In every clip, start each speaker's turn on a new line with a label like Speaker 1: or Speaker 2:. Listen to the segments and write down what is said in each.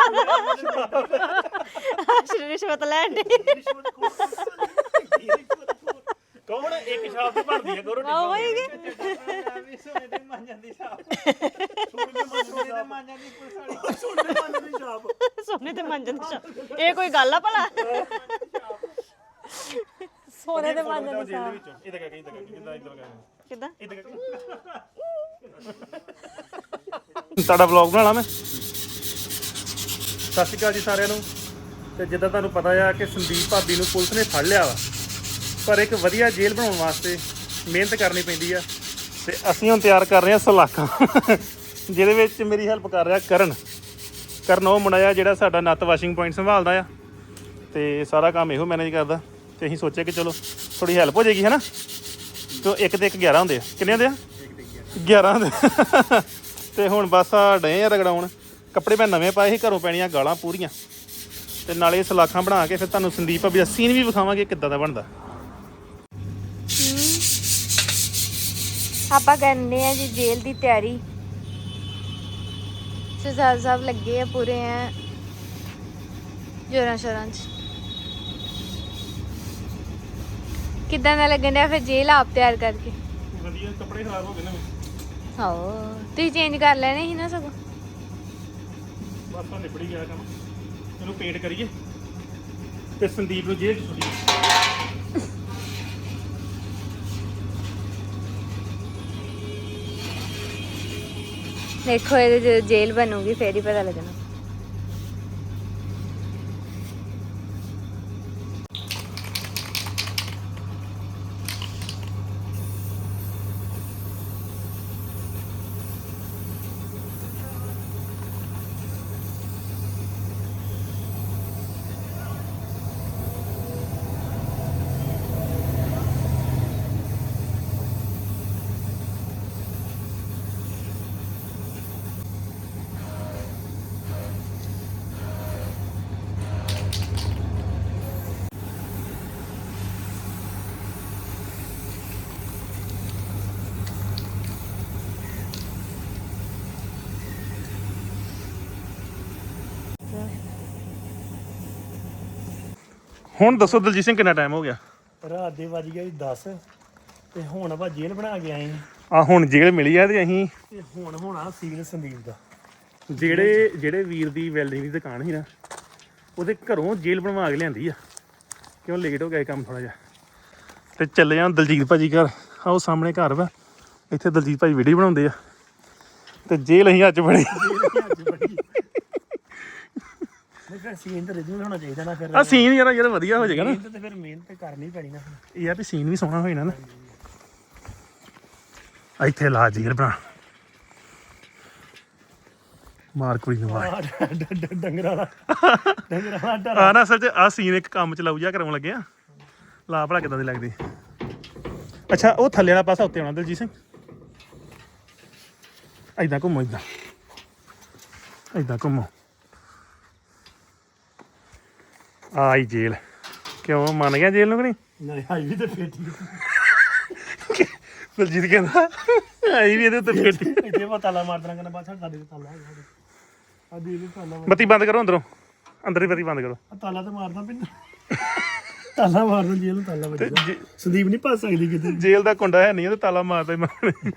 Speaker 1: ਰਿਸ਼ਵਤ ਲੈਣ ਦੀ
Speaker 2: ਕੌਣ ਇੱਕ ਛਾਪ ਤੇ ਬਣਦੀ ਹੈ ਕਰੋ
Speaker 1: ਆਵੇਗੀ
Speaker 3: ਸੋਨੇ ਦੇ ਮਾਂਜਾਂ ਦੀ ਛਾਪ
Speaker 1: ਸੋਨੇ ਤੇ ਮੰਜਨ ਦੀ ਛਾਪ ਇਹ ਕੋਈ ਗੱਲ ਆ ਭਲਾ ਸੋਨੇ ਤੇ ਮੰਜਨ ਦੀ ਛਾਪ
Speaker 2: ਇਹਦਾ ਕਹਿ ਕਿੱਦਾਂ ਇਦਾਂ ਕਹਿ
Speaker 1: ਕਿੱਦਾਂ
Speaker 2: ਤੁਹਾਡਾ ਵਲੌਗ ਬਣਾਣਾ ਮੈਂ ਸਤਿ ਸ਼੍ਰੀ ਅਕਾਲ ਜੀ ਸਾਰਿਆਂ ਨੂੰ ਤੇ ਜਿੱਦਾਂ ਤੁਹਾਨੂੰ ਪਤਾ ਆ ਕਿ ਸੰਦੀਪ ਭਾਬੀ ਨੂੰ ਪੁਲਿਸ ਨੇ ਫੜ ਲਿਆ ਵਾ ਪਰ ਇੱਕ ਵਧੀਆ ਜੇਲ੍ਹ ਬਣਾਉਣ ਵਾਸਤੇ ਮਿਹਨਤ ਕਰਨੀ ਪੈਂਦੀ ਆ ਤੇ ਅਸੀਂ ਹੁਣ ਤਿਆਰ ਕਰ ਰਹੇ ਹਾਂ ਸਲਾਖਾਂ ਜਿਹਦੇ ਵਿੱਚ ਮੇਰੀ ਹੈਲਪ ਕਰ ਰਿਹਾ ਕਰਨ ਉਹ ਮੁੰਡਾ ਆ ਜਿਹੜਾ ਸਾਡਾ ਨੱਤ ਵਾਸ਼ਿੰਗ ਪੁਆਇੰਟ ਸੰਭਾਲਦਾ ਆ ਤੇ ਸਾਰਾ ਕੰਮ ਇਹੋ ਮੈਨੇਜ ਕਰਦਾ ਤੇ ਅਸੀਂ ਸੋਚਿਆ ਕਿ ਚਲੋ ਥੋੜੀ ਹੈਲਪ ਹੋ ਜਾਏਗੀ ਹੈ ਨਾ ਤੇ 1 ਤੇ 1 11 ਹੁੰਦੇ ਆ ਕਿੰਨੇ ਹੁੰਦੇ ਆ 11 ਹੁੰਦੇ ਤੇ ਹੁਣ ਬਸ ਆ ਡੇ ਆ ਰਗੜਾਉਣ ਕੱਪੜੇ ਮੈਂ ਨਵੇਂ ਪਾਏ ਸੀ ਘਰੋਂ ਪੈਣੀਆਂ ਗਾਲਾਂ ਪੂਰੀਆਂ ਤੇ ਨਾਲੇ ਸਲਾਖਾਂ ਬਣਾ ਕੇ ਫਿਰ ਤੁਹਾਨੂੰ ਸੰਦੀਪ ਭਾਬੀ ਦਾ ਸੀਨ ਵੀ ਵਿਖਾਵਾਂਗੇ ਕਿੱਦਾਂ ਦਾ ਬਣਦਾ
Speaker 4: ਆਪਾਂ ਕਰਨੇ ਆ ਜੀ ਜੇਲ੍ਹ ਦੀ ਤਿਆਰੀ ਸਰਦਾਰ ਸਾਹਿਬ ਲੱਗੇ ਆ ਪੂਰੇ ਆ ਜੋਰਾਂ ਸ਼ੋਰਾਂ 'ਚ ਕਿੱਦਾਂ ਦਾ ਲੱਗਣ ਡਿਆ ਫਿਰ ਜੇਲ੍ਹ ਆਪ ਤਿਆਰ ਕਰਕੇ
Speaker 2: ਵਧੀਆ ਕੱਪੜੇ ਖਰਾਬ ਹੋ ਗਏ ਨਾ
Speaker 4: ਆਓ ਤੁਸੀਂ ਚੇਂਜ ਕਰ ਲੈਣੇ ਸੀ ਨਾ ਸਗੋਂ
Speaker 2: ਬਸ ਤਾਂ ਨਿਬੜ ਹੀ ਗਿਆ ਕੰਮ ਇਹਨੂੰ ਪੇਂਟ ਕਰੀਏ ਤੇ ਸੰਦੀਪ ਨੂੰ ਜੇਲ੍ਹ 'ਚ ਸੁੱਟੀਏ
Speaker 4: ਦੇਖੋ ਇਹਦੇ ਜਦੋਂ ਜੇਲ੍ਹ ਬਣੂਗੀ ਫੇਰ ਹੀ ਪਤਾ ਲੱਗਣਾ
Speaker 2: ਹੁਣ ਦੱਸੋ ਦਲਜੀਤ ਸਿੰਘ ਕਿੰਨਾ ਟਾਈਮ ਹੋ ਗਿਆ
Speaker 3: ਰਾਤ ਦੇ ਵੱਜ ਗਿਆ 10 ਤੇ ਹੁਣ ਆਪਾਂ ਜੇਲ੍ਹ ਬਣਾ ਕੇ ਆਏ
Speaker 2: ਆ ਹੁਣ ਜੇਲ੍ਹ ਮਿਲੀ ਆ ਤੇ ਅਸੀਂ
Speaker 3: ਤੇ ਹੁਣ ਹੋਣਾ ਸੀਲ ਸੰਦੀਪ ਦਾ
Speaker 2: ਜਿਹੜੇ ਵੀਰ ਦੀ ਵੈਲਡਿੰਗ ਦੀ ਦੁਕਾਨ ਸੀ ਨਾ ਉਹਦੇ ਘਰੋਂ ਜੇਲ੍ਹ ਬਣਵਾ ਕੇ ਲਿਆਂਦੀ ਆ ਕਿਉਂ ਲੇਟ ਹੋ ਗਿਆ ਕੰਮ ਥੋੜਾ ਜਿਹਾ ਤੇ ਚੱਲੇ ਜਾਂ ਦਲਜੀਤ ਭਾਜੀ ਘਰ ਆ ਉਹ ਸਾਹਮਣੇ ਘਰ ਵਾ ਇੱਥੇ ਦਲਜੀਤ ਭਾਜੀ ਵੀਡੀਓ ਬਣਾਉਂਦੇ ਆ ਤੇ ਜੇਲ੍ਹ ਅਸੀਂ ਅੱਜ ਬਣੀ
Speaker 3: ਫਿਰ ਸੀਨ ਤੇ ਰਿਜੂ ਹੋਣਾ ਚਾਹੀਦਾ ਨਾ ਫਿਰ
Speaker 2: ਆ ਸੀਨ ਯਾਰ ਵਧੀਆ ਹੋ ਜਾਏਗਾ ਨਾ
Speaker 3: ਤੇ ਫਿਰ ਮਿਹਨਤ ਕਰਨੀ ਪੈਣੀ ਨਾ
Speaker 2: ਇਹ ਆ ਵੀ ਸੀਨ ਵੀ ਸੋਹਣਾ ਹੋ ਜਾਣਾ ਨਾ ਇੱਥੇ ਲਾ ਜੇਲ੍ਹ ਬਣਾ ਮਾਰ ਕੁੜੀ ਨੂੰ ਮਾਰ
Speaker 3: ਡੰਗਰਾਂ ਦਾ ਡਰ
Speaker 2: ਆ ਨਾ ਅਸਲ 'ਚ ਆ ਸੀਨ ਇੱਕ ਕੰਮ ਚਲਾਊ ਜਿਹਾ ਕਰਾਉਣ ਲੱਗੇ ਆ ਲਾ ਭਲਾ ਕਿੱਦਾਂ ਦੀ ਲੱਗਦੀ ਅੱਛਾ ਉਹ ਥੱਲੇ ਵਾਲਾ ਪਾਸਾ ਉੱਤੇ ਆਉਣਾ ਦਲਜੀਤ ਸਿੰਘ ਏਦਾਂ ਘੁੰਮੋ ਏਦਾਂ ਘੁੰਮੋ ਆਈ ਜੇਲ੍ਹ ਕਿਉਂ ਮੰਨ ਗਿਆ ਜੇਲ੍ਹ ਨੂੰ ਕਿ ਨਹੀਂ
Speaker 3: ਨਹੀਂ ਆਈ ਵੀ ਤੇ ਫੇਟੀ
Speaker 2: ਦਲਜੀਤ ਕਹਿੰਦਾ ਆਈ ਵੀ ਇਹਦੇ ਉੱਤੇ ਫੇਟੀ
Speaker 3: ਇੱਥੇ ਮੈਂ ਤਾਲਾ ਮਾਰ ਦੇਣਾ ਕਹਿੰਦਾ ਬਾਅਦ ਸਾਡੇ ਤੇ ਤਾਲਾ ਹੈਗਾ ਆ ਦੇ ਦੇ ਤਾਲਾ
Speaker 2: ਬੱਤੀ ਬੰਦ ਕਰੋ ਅੰਦਰੋਂ ਅੰਦਰ ਹੀ ਬੱਤੀ ਬੰਦ ਕਰੋ
Speaker 3: ਆ ਤਾਲਾ ਤੇ ਮਾਰਦਾ ਪਿੰਡ ਤਾਲਾ ਮਾਰਦਾ ਜੇਲ੍ਹ ਨੂੰ ਤਾਲਾ ਵੱਜਦਾ ਸੰਦੀਪ ਨਹੀਂ ਭੱਜ ਸਕਦੀ ਕਿਤੇ
Speaker 2: ਜੇਲ੍ਹ ਦਾ ਕੁੰਡਾ ਹੈ ਨਹੀਂ ਤੇ ਤਾਲਾ ਮਾਰਦਾ ਹੀ ਮਾਰਨੇ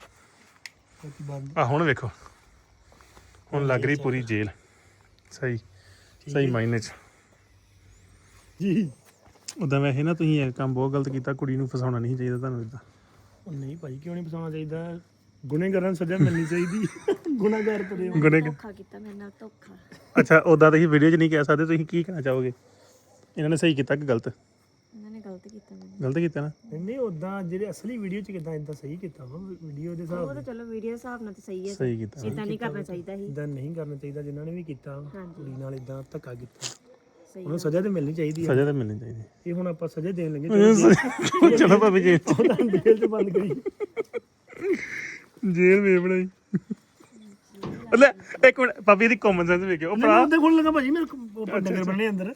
Speaker 3: ਬੰਦ
Speaker 2: ਆ ਹੁਣ ਵੇਖੋ ਹੁਣ ਲੱਗ ਰਹੀ ਪੂਰੀ ਜੇਲ੍ਹ ਸਹੀ ਮਾਇਨੇ 'ਚ
Speaker 3: ਜੀ
Speaker 2: ਉਦਾਂ ਵੈਸੇ ਨਾ ਤੁਸੀਂ ਇਹ ਕੰਮ ਬਹੁਤ ਗਲਤ ਕੀਤਾ ਕੁੜੀ ਨੂੰ ਫਸਾਉਣਾ ਨਹੀਂ ਚਾਹੀਦਾ ਤੁਹਾਨੂੰ ਇਦਾਂ
Speaker 3: ਉਹ ਨਹੀਂ ਭਾਈ ਕਿਉਂ ਨਹੀਂ ਫਸਾਉਣਾ ਚਾਹੀਦਾ ਗੁਨੇਗਾਰਾਂ ਨੂੰ ਸਜ਼ਾ ਮਿਲਣੀ ਚਾਹੀਦੀ ਗੁਨਾਹਗਾਰ ਪਰੇ
Speaker 4: ਧੋਖਾ ਕੀਤਾ ਮੇਰੇ ਨਾਲ ਧੋਖਾ
Speaker 2: ਅੱਛਾ ਉਦਾਂ ਤੁਸੀਂ ਵੀਡੀਓ 'ਚ ਨਹੀਂ ਕਹਿ ਸਕਦੇ ਤੁਸੀਂ ਕੀ ਕਹਿਣਾ ਚਾਹੋਗੇ ਇਹਨਾਂ ਨੇ ਸਹੀ ਕੀਤਾ ਕਿ ਗਲਤ
Speaker 4: ਇਹਨਾਂ ਨੇ ਗਲਤ ਕੀਤਾ ਮੈਨੂੰ
Speaker 2: ਗਲਤ ਕੀਤਾ ਨਾ
Speaker 3: ਨਹੀਂ ਉਦਾਂ ਜਿਹੜੇ ਅਸਲੀ ਵੀਡੀਓ 'ਚ ਕਿਦਾਂ ਇਦਾਂ ਸਹੀ ਕੀਤਾ ਵਾ ਵੀਡੀਓ ਦੇ ਹਿਸਾਬ
Speaker 4: ਉਹ ਤਾਂ ਚਲੋ ਵੀਡੀਓ ਹਿਸਾਬ ਨਾਲ ਤਾਂ ਸਹੀ ਹੈ
Speaker 2: ਸਹੀ ਕੀਤਾ
Speaker 4: ਇਦਾਂ ਨਹੀਂ ਕਰਨਾ ਚਾਹੀਦਾ ਸੀ
Speaker 3: ਇਦਾਂ ਨਹੀਂ ਕਰਨਾ ਚਾਹੀਦਾ ਜਿਨ੍ਹਾਂ ਨੇ ਵੀ ਕੀਤਾ
Speaker 4: ਹਾਂਜੀ।
Speaker 3: ਕੁੜੀ ਨਾਲ ਇਦਾਂ ਧੱਕਾ ਕੀਤਾ
Speaker 4: ਸਹੀ
Speaker 3: ਉਹਨੂੰ ਸਜ਼ਾ ਤੇ ਮਿਲਣੀ ਚਾਹੀਦੀ ਹੈ
Speaker 2: ਸਜ਼ਾ ਤਾਂ ਮਿਲਣੀ ਚਾਹੀਦੀ
Speaker 3: ਇਹ ਹੁਣ ਆਪਾਂ ਸਜ਼ਾ ਦੇਣ ਲੱਗੇ
Speaker 2: ਚਲੋ ਭਾਵੇਂ ਜੇਲ੍ਹ
Speaker 3: ਜੇਲ੍ਹ 'ਚ ਬੰਦ ਕਰੀ
Speaker 2: ਜੇਲ੍ਹ ਵੇ ਬਣਾਈ ਲੈ ਇੱਕ ਮਿੰਟ ਭਾਬੀ ਦੀ ਕਾਮਨ ਸੈਂਸ ਵੇਖਿਓ ਉਹ ਭਰਾ
Speaker 3: ਉਹਦੇ ਕੋਲ ਲੱਗਾ ਭਾਜੀ ਮੇਰੇ ਕੋਲ ਡੰਗਰ ਬੰਨੇ ਅੰਦਰ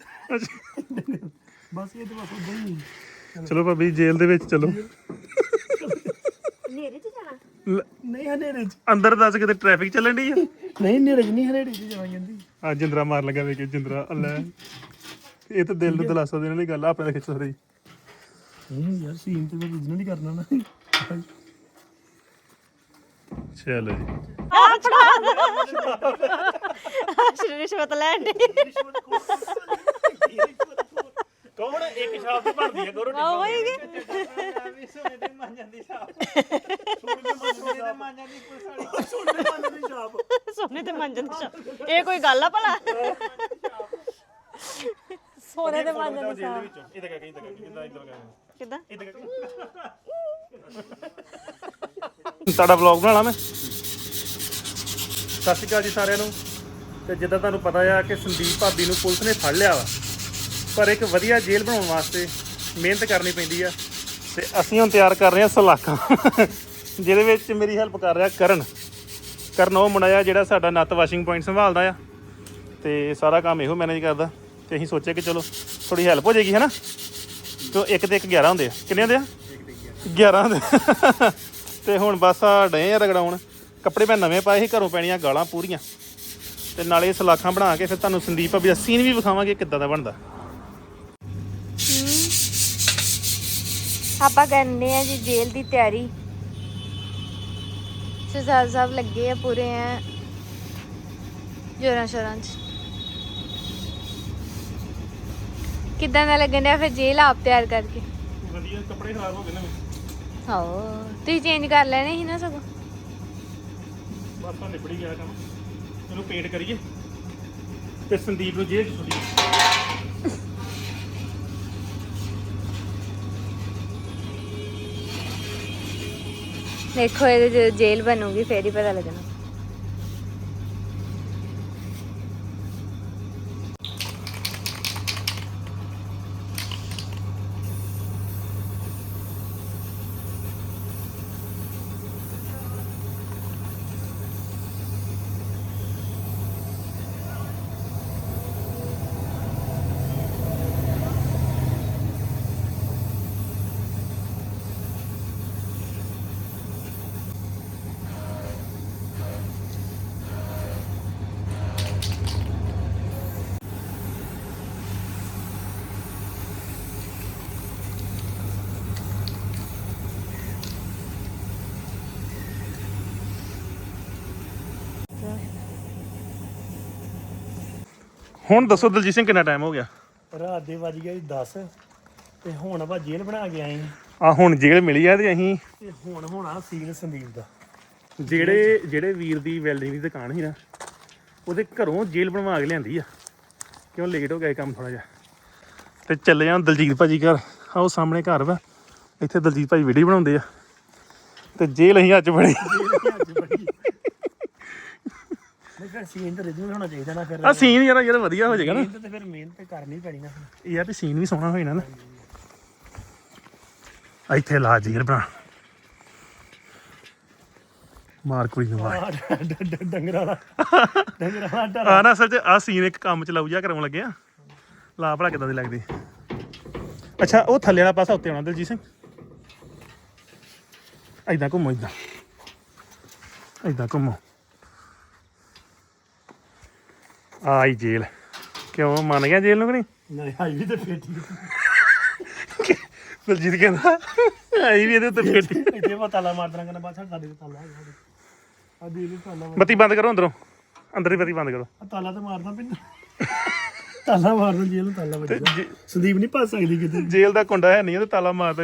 Speaker 3: ਬਸ ਇਹ ਤਾਂ ਬਸ ਉਦਾਂ ਹੀ
Speaker 2: ਚਲੋ ਭਾਬੀ ਜੇਲ੍ਹ ਦੇ ਵਿੱਚ ਚਲੋ
Speaker 4: ਨੇਰੇ 'ਚ ਜਾਣਾ
Speaker 3: ਨਹੀਂ ਹਨੇਰੇ ਚ
Speaker 2: ਅੰਦਰ ਦੱਸ ਕਿਤੇ ਟ੍ਰੈਫਿਕ ਚੱਲਣ ਡਈ ਆ
Speaker 3: ਨਹੀਂ ਹਨੇਰੇ ਚ ਨਹੀਂ ਹਨੇਰੇ ਚ ਜਾਵਾਂ ਜਾਂਦੀ
Speaker 2: ਆ ਜਿੰਦਰਾ ਮਾਰ ਲੱਗਾ ਵੇਖ ਜਿੰਦਰਾ ਅੱਲਾ ਇਹ ਤਾਂ ਦਿਲ ਨੂੰ ਦਿਲਾਸਾ ਦੇਣ ਵਾਲੀ ਗੱਲ ਆ ਆਪਣੇ ਖਿੱਚ ਰਹੀ
Speaker 3: ਨਹੀਂ ਯਾਰ ਸੀਨ ਤੇ ਮੈਂ original ਹੀ ਕਰਨਾ ਨਾ
Speaker 2: ਚਲੋ ਜੀ
Speaker 1: ਰਿਸ਼ਵਤ ਲੈਣ ਦੀ
Speaker 2: ਕੌਣ ਇੱਕ ਸ਼ਾਪ ਦੀ ਬਣਦੀ ਹੈ ਗੋਰੋ
Speaker 1: ਆਵੇਗੀ
Speaker 2: ਸੋਨੇ ਦੇ ਮੰਜਨ ਦੀ ਸ਼ਾਪ
Speaker 1: ਸੋਨੇ ਤੇ ਮੰਜਨ ਦੀ ਸ਼ਾਪ ਇਹ ਕੋਈ ਗੱਲ ਆ ਭਲਾ ਸੋਨੇ ਦੇ ਮੰਜਨ ਦੀ ਸ਼ਾਪ
Speaker 2: ਇਹਦਾ ਕਹਿ ਜਿੰਦਾ ਇਧਰ ਕਹਿ
Speaker 1: ਕਿੱਦਾਂ
Speaker 2: ਤੁਹਾਡਾ ਵਲੌਗ ਬਣਾਣਾ ਮੈਂ ਸਤਿ ਸ਼੍ਰੀ ਅਕਾਲ ਜੀ ਸਾਰਿਆਂ ਨੂੰ ਤੇ ਜਿੱਦਾਂ ਤੁਹਾਨੂੰ ਪਤਾ ਆ ਕਿ ਸੰਦੀਪ ਭਾਬੀ ਨੂੰ ਪੁਲਿਸ ਨੇ ਫੜ ਲਿਆ ਵਾ ਪਰ ਇੱਕ ਵਧੀਆ ਜੇਲ੍ਹ ਬਣਾਉਣ ਵਾਸਤੇ ਮਿਹਨਤ ਕਰਨੀ ਪੈਂਦੀ ਆ ਤੇ ਅਸੀਂ ਹੁਣ ਤਿਆਰ ਕਰ ਰਹੇ ਹਾਂ ਸਲਾਖਾਂ ਜਿਹਦੇ ਵਿੱਚ ਮੇਰੀ ਹੈਲਪ ਕਰ ਰਿਹਾ ਕਰਨ ਉਹ ਮੁੰਡਾ ਆ ਜਿਹੜਾ ਸਾਡਾ ਨੱਤ ਵਾਸ਼ਿੰਗ ਪੁਆਇੰਟ ਸੰਭਾਲਦਾ ਆ ਤੇ ਸਾਰਾ ਕੰਮ ਇਹੋ ਮੈਨੇਜ ਕਰਦਾ ਤੇ ਅਸੀਂ ਸੋਚਿਆ ਕਿ ਚਲੋ ਥੋੜੀ ਹੈਲਪ ਹੋ ਜਾਏਗੀ ਹੈ ਨਾ ਤੇ 1 ਤੇ 1 11 ਹੁੰਦੇ ਆ ਕਿੰਨੇ ਹੁੰਦੇ ਆ 11 ਹੁੰਦੇ ਤੇ ਹੁਣ ਬਸ ਆ ਡੇ ਆ ਰਗੜਾਉਣ ਕੱਪੜੇ ਮੈਂ ਨਵੇਂ ਪਾਏ ਸੀ ਘਰੋਂ ਪੈਣੀਆਂ ਗਾਲਾਂ ਪੂਰੀਆਂ ਤੇ ਨਾਲੇ ਸਲਾਖਾਂ ਬਣਾ ਕੇ ਫਿਰ ਤੁਹਾਨੂੰ ਸੰਦੀਪ ਭਾਬੀ ਦਾ ਸੀਨ ਵੀ ਵਿਖਾਵਾਂਗੇ ਕਿੱਦਾਂ ਦਾ ਬਣਦਾ
Speaker 4: ਆਪਾਂ ਕਰਨੇ ਆ ਜੀ ਜੇਲ੍ਹ ਦੀ ਤਿਆਰੀ ਸਰਦਾਰ ਸਾਹਿਬ ਲੱਗੇ ਆ ਪੂਰੇ ਆ ਜੋਰਾਂ ਸ਼ੋਰਾਂ 'ਚ ਕਿੱਦਾਂ ਦਾ ਲੱਗਣ ਡਿਆ ਫਿਰ ਜੇਲ੍ਹ ਆਪ ਤਿਆਰ ਕਰਕੇ
Speaker 2: ਵਧੀਆ ਕੱਪੜੇ ਖਰਾਬ ਹੋ ਗਏ ਨਾ
Speaker 4: ਹੋ ਤੁਸੀਂ ਚੇਂਜ ਕਰ ਲੈਣੇ ਸੀ ਨਾ ਸਗੋਂ
Speaker 2: ਬਸ ਤਾਂ ਨਿਬੜ ਹੀ ਗਿਆ ਕੰਮ ਇਹਨੂੰ ਪੇਂਟ ਕਰੀਏ ਤੇ ਸੰਦੀਪ ਨੂੰ ਜੇਲ੍ਹ 'ਚ ਸੁੱਟੀਏ
Speaker 4: ਦੇਖੋ ਇਹਦੇ ਜਦੋਂ ਜੇਲ੍ਹ ਬਣੂਗੀ ਫੇਰ ਹੀ ਪਤਾ ਲੱਗਣਾ
Speaker 2: ਹੁਣ ਦੱਸੋ ਦਲਜੀਤ ਸਿੰਘ ਕਿੰਨਾ ਟਾਈਮ ਹੋ ਗਿਆ
Speaker 3: ਰਾਤ ਦੇ ਵੱਜ ਗਿਆ 10 ਤੇ ਹੁਣ ਆਪਾਂ ਜੇਲ੍ਹ ਬਣਾ ਕੇ ਆਏ
Speaker 2: ਆ ਹੁਣ ਜੇਲ੍ਹ ਮਿਲੀ ਆ ਤੇ ਅਸੀਂ
Speaker 3: ਤੇ ਹੁਣ ਹੋਣਾ ਸੀਨ ਸੰਦੀਪ ਦਾ
Speaker 2: ਜਿਹੜੇ ਵੀਰ ਦੀ ਵੈਲਡਿੰਗ ਦੀ ਦੁਕਾਨ ਸੀ ਨਾ ਉਹਦੇ ਘਰੋਂ ਜੇਲ੍ਹ ਬਣਵਾ ਕੇ ਲਿਆਂਦੀ ਆ ਕਿਉਂ ਲੇਟ ਹੋ ਗਿਆ ਕੰਮ ਥੋੜਾ ਜਿਹਾ ਤੇ ਚੱਲੇ ਜਾਣ ਦਲਜੀਤ ਭਾਜੀ ਘਰ ਆਹ ਸਾਹਮਣੇ ਘਰ ਵਾ ਇੱਥੇ ਦਲਜੀਤ ਭਾਜੀ ਵੀਡੀਓ ਬਣਾਉਂਦੇ ਆ ਤੇ ਜੇਲ੍ਹ ਅਸੀਂ ਅੱਜ ਬਣੀ
Speaker 3: ਨਹੀਂ ਫਿਰ ਸੀਨ ਤਾਂ original ਹੋਣਾ ਚਾਹੀਦਾ ਨਾ ਫਿਰ
Speaker 2: ਆ ਸੀਨ ਯਾਰ ਵਧੀਆ ਹੋ ਜਾਏਗਾ ਨਾ
Speaker 3: ਤੇ ਫਿਰ ਮਿਹਨਤ ਕਰਨੀ ਪੈਣੀ ਨਾ
Speaker 2: ਯਾਰ ਤੇ ਸੀਨ ਵੀ ਸੋਹਣਾ ਹੋ ਜਾਣਾ ਨਾ ਇੱਥੇ ਲਾ ਜੇਲ੍ਹ ਬਣਾ ਮਾਰ ਕੁੜੀ ਨੂੰ ਮਾਰ
Speaker 3: ਡੰਗਰਾਂ ਦਾ
Speaker 2: ਆ ਨਾ ਅਸਲ 'ਚ ਆ ਸੀਨ ਇੱਕ ਕੰਮ ਚਲਾਊ ਜਿਹਾ ਕਰਾਉਣ ਲੱਗੇ ਆ ਲਾ ਭਲਾ ਕਿੱਦਾਂ ਦੀ ਲੱਗਦੀ ਅੱਛਾ ਉਹ ਥੱਲੇ ਵਾਲਾ ਪਾਸਾ ਉੱਤੇ ਆਉਣਾ ਦਲਜੀਤ ਸਿੰਘ ਏਦਾਂ ਘੁੰਮੋ ਏਦਾਂ ਘੁੰਮੋ ਆਈ ਜੇਲ੍ਹ ਕਿਉਂ ਮੰਨ ਗਿਆ ਜੇਲ੍ਹ ਨੂੰ ਕਿ ਨਹੀਂ
Speaker 3: ਨਹੀਂ ਆਈ ਵੀ ਤੇ ਫੇਟੀ
Speaker 2: ਦਲਜੀਤ ਕਹਿੰਦਾ ਆਈ ਵੀ ਇਹਦੇ ਉੱਤੇ ਫੇਟੀ
Speaker 3: ਇੱਥੇ ਮੈਂ ਤਾਲਾ ਮਾਰ ਦੇਣਾ ਕਹਿੰਦਾ ਬਾਅਦ ਸਾਡੇ ਤੇ ਤਾਲਾ ਹੈਗਾ ਆ ਦੇ ਲਈ ਤਾਲਾ
Speaker 2: ਬੱਤੀ ਬੰਦ ਕਰੋ ਅੰਦਰੋਂ ਅੰਦਰ ਹੀ ਬੱਤੀ ਬੰਦ ਕਰੋ
Speaker 3: ਆ ਤਾਲਾ ਤਾਂ ਮਾਰਦਾ ਪਿੰਡ ਤਾਲਾ ਮਾਰਦਾ ਜੇਲ੍ਹ ਨੂੰ ਤਾਲਾ ਵੱਜਦਾ ਸੰਦੀਪ ਨਹੀਂ ਭੱਜ ਸਕਦੀ ਕਿਤੇ
Speaker 2: ਜੇਲ੍ਹ ਦਾ ਕੁੰਡਾ ਹੈ ਨਹੀਂ ਤੇ ਤਾਲਾ ਮਾਰਦਾ ਹੀ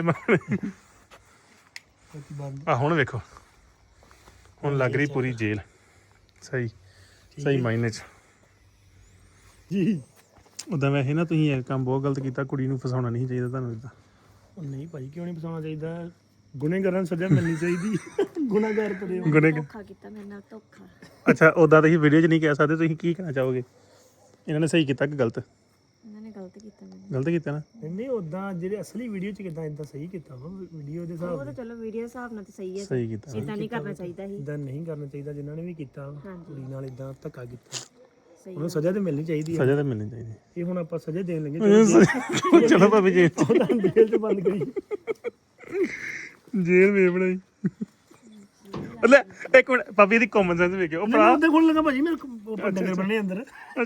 Speaker 3: ਬੰਦ
Speaker 2: ਆ ਹੁਣ ਵੇਖੋ ਹੁਣ ਲੱਗ ਰਹੀ ਪੂਰੀ ਜੇਲ੍ਹ ਸਹੀ ਮਾਇਨੇ 'ਚ
Speaker 3: ਜੀ
Speaker 2: ਉਦਾਂ ਵੈਸੇ ਨਾ ਤੁਸੀਂ ਇਹ ਕੰਮ ਬਹੁਤ ਗਲਤ ਕੀਤਾ ਕੁੜੀ ਨੂੰ ਫਸਾਉਣਾ ਨਹੀਂ ਚਾਹੀਦਾ ਤੁਹਾਨੂੰ ਇਦਾਂ
Speaker 3: ਉਹ ਨਹੀਂ ਭਾਈ ਕਿਉਂ ਨਹੀਂ ਫਸਾਉਣਾ ਚਾਹੀਦਾ ਗੁਨੇਗਾਰਾਂ ਨੂੰ ਸਜ਼ਾ ਮਿਲਣੀ ਚਾਹੀਦੀ ਗੁਨਾਹਗਾਰ ਕਰੇ
Speaker 1: ਧੋਖਾ ਕੀਤਾ ਮੇਰੇ ਨਾਲ ਧੋਖਾ
Speaker 2: ਅੱਛਾ ਉਦਾਂ ਤੁਸੀਂ ਵੀਡੀਓ 'ਚ ਨਹੀਂ ਕਹਿ ਸਕਦੇ ਤੁਸੀਂ ਕੀ ਕਹਿਣਾ ਚਾਹੋਗੇ ਇਹਨਾਂ ਨੇ ਸਹੀ ਕੀਤਾ ਕਿ ਗਲਤ
Speaker 1: ਇਹਨਾਂ ਨੇ ਗਲਤ ਕੀਤਾ ਮੈਨੂੰ
Speaker 2: ਗਲਤ ਕੀਤਾ ਨਾ
Speaker 3: ਨਹੀਂ ਉਦਾਂ ਜਿਹੜੇ ਅਸਲੀ ਵੀਡੀਓ ਚ ਕਿਦਾਂ ਇਦਾਂ ਸਹੀ ਕੀਤਾ ਵਾ ਵੀਡੀਓ ਦੇ ਹਿਸਾਬ
Speaker 1: ਉਹ ਤਾਂ ਚਲੋ ਵੀਡੀਓ ਹਿਸਾਬ ਨਾਲ ਤੇ ਸਹੀ ਹੈ
Speaker 2: ਸਹੀ ਕੀਤਾ
Speaker 1: ਇਦਾਂ ਨਹੀਂ ਕਰਨਾ ਚਾਹੀਦਾ ਸੀ
Speaker 3: ਇਦਾਂ ਨਹੀਂ ਕਰਨਾ ਚਾਹੀਦਾ ਜਿਨ੍ਹਾਂ ਨੇ ਵੀ ਕੀਤਾ
Speaker 1: ਹਾਂਜੀ।
Speaker 3: ਕੁੜੀ ਨਾਲ ਇਦਾਂ ਧੱਕਾ ਕੀਤਾ
Speaker 1: ਸਹੀ
Speaker 3: ਉਹਨੂੰ ਸਜ਼ਾ ਤੇ ਮਿਲਣੀ ਚਾਹੀਦੀ ਹੈ
Speaker 2: ਸਜ਼ਾ ਤਾਂ ਮਿਲਣੀ ਚਾਹੀਦੀ
Speaker 3: ਇਹ ਹੁਣ ਆਪਾਂ ਸਜ਼ਾ ਦੇਣ ਲੱਗੇ
Speaker 2: ਚਲੋ ਭਾਵੇਂ ਜੇਲ੍ਹ
Speaker 3: ਜੇਲ੍ਹ ਚ ਬੰਦ ਕਰੀ
Speaker 2: ਜੇਲ੍ਹ ਵੇ ਬਣਾਈ ਲੈ ਇੱਕ ਮਿੰਟ ਭਾਬੀ ਦੀ ਕਾਮਨ ਸੈਂਸ ਵੇਖਿਓ ਉਹ ਭਰਾ
Speaker 3: ਉਹਦੇ ਕੋਲ ਲੱਗਾ ਭਾਜੀ ਮੇਰੇ ਡੰਗਰ ਬੰਨੇ ਅੰਦਰ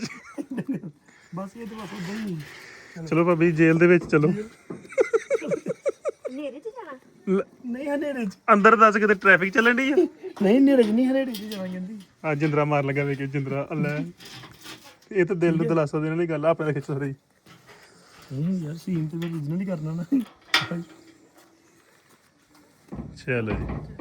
Speaker 3: ਬਸ ਇਹ ਤਾਂ ਬਸ ਉਦਾਂ ਹੀ
Speaker 2: ਚਲੋ ਭਾਬੀ ਜੇਲ੍ਹ ਦੇ ਵਿੱਚ ਚਲੋ
Speaker 1: ਹਨੇਰੇ 'ਚ ਜਾਣਾ
Speaker 3: ਨਹੀਂ ਹਨੇਰੇ ਚ
Speaker 2: ਅੰਦਰ ਦੱਸ ਕਿਤੇ ਟ੍ਰੈਫਿਕ ਚੱਲਣ ਡਈ ਆ
Speaker 3: ਨਹੀਂ ਹਨੇਰੇ ਚ ਨਹੀਂ ਹਨੇਰੇ ਚ ਜਾਣਾ ਜਾਂਦੀ
Speaker 2: ਆ ਜਿੰਦਰਾ ਮਾਰ ਲੱਗਾ ਵੇਖਿਓ ਜਿੰਦਰਾ ਲੈ ਇਹ ਤਾਂ ਦਿਲ ਨੂੰ ਦਿਲਾਸਾ ਦੇਣ ਵਾਲੀ ਗੱਲ ਆ ਆਪਣੇ ਖਿੱਚ ਰਹੀ
Speaker 3: ਨਹੀਂ ਯਾਰ ਸੀਨ ਤੇ ਮੈਂ ਰੀਜਨਲ ਹੀ ਕਰਨਾ ਨਾ
Speaker 2: ਚਲੋ ਜੀ